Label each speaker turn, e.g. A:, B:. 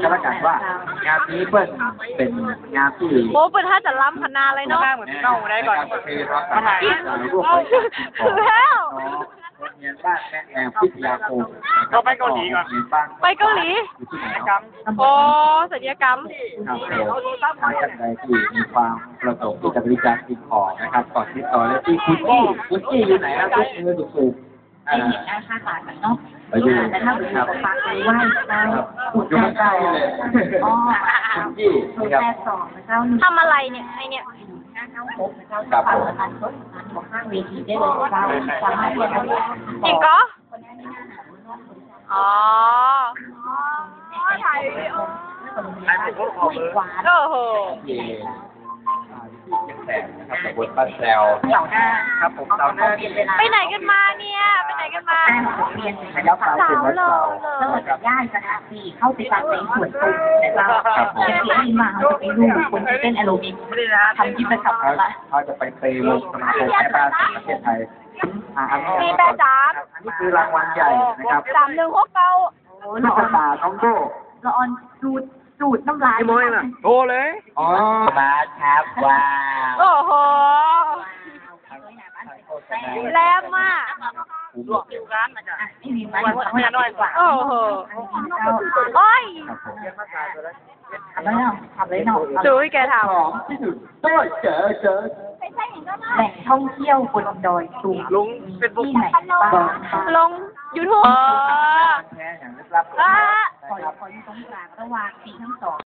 A: ก็แล้วกันว่างานนี้เปิ้ลเป็นงานที่
B: โอ้เปิดถ้าจะล้ำขนาดเลยเนาะ
C: เหมือนเน่าได้ก่อน
A: คือรับการร่วมบริจาคสิ่งของ
B: แล้ว
A: โรงเรียนบ้านแม่แอมพิทยาคม
C: เราไปเกาหลีก่อน
B: ไปเกาหลี
A: อยู่ที่ไหน
C: กรรม
B: โอ้ศัลยกรรม
A: ครับทางท่านใดที่มีความประสงค์ที่จะบริจาคสิ่งของนะครับก่อนติดต่อเลยที่คุณจี้อยู่ไหนครับยกมือสูงๆ
D: ได้เห็นหน้าค่าตากันเนาะ
A: ไปอยู่
D: แต่ถ้าเป็นฝากไปไหว้เจ้าขุด
A: อยู่
D: เจ้า
A: ข้างๆเลย
D: อ๋อ
A: คุณจี้
D: โทร
A: นะครับ
D: แปดสองเจ้าหนึ่ง
B: ทำอะไรเนี่ยไอเนี่ย
D: ห้าเก้าหกเจ้าฝากประธานรถของข้างเวทีได้เลยเจ้าสามารถเรียนได้
B: จริงก็อ๋อถ่ายวิดีโอ
D: หวาน
B: โอ้โห
A: ที่ที่เชียงแสนนะครับตำบลบ้านแซว
D: เสาร์หน้า
A: ครับผมเสาร์หน้า
D: เปลี่ยนเวลา
B: ไปไหนกันมาเนี่ยไปไหนกันมา
D: ได้ของเรียน
A: ยับไปเป็นวัดเสา
D: เริ่มจากย่านสถานที่เข้าไปตามในสวนตุ่มแต่เราจะเขียนมาเขาจะไปดูคนที่เต้นแอโรบิกทำที่ประกับละ
A: เขาจะไปเตะวงสมาคมแม่บ้านแห่งประเทศไทยอันนี้คือรางวัลใหญ่นะครับ
B: 3169
A: ลูกตาน้องโก้
D: ละออนจูดน้ำลาย
C: โทรเลย
A: อ๋อมาครับว้าว
B: โอ้โหแรงมาก
C: ลวกอยู่ร้านนะจ๊ะ
D: ไม่มีมันทำให้น้อยกว่า
B: โอ้โหโอ้ย
D: ทำเลยเนาะทำเลยเนาะ
B: ดูให้แกท
A: ของที่สุดก็เจอ
D: แหล่งท่องเที่ยวบนดอยตุง
C: ลุงเป็นบุก
D: ที่ไหนบ้าง
B: ำลง YouTube
A: แค่อย่างลึกลับ
B: อ่า
D: ขออยู่ตรงกลางระหว่างปีทั้งสอง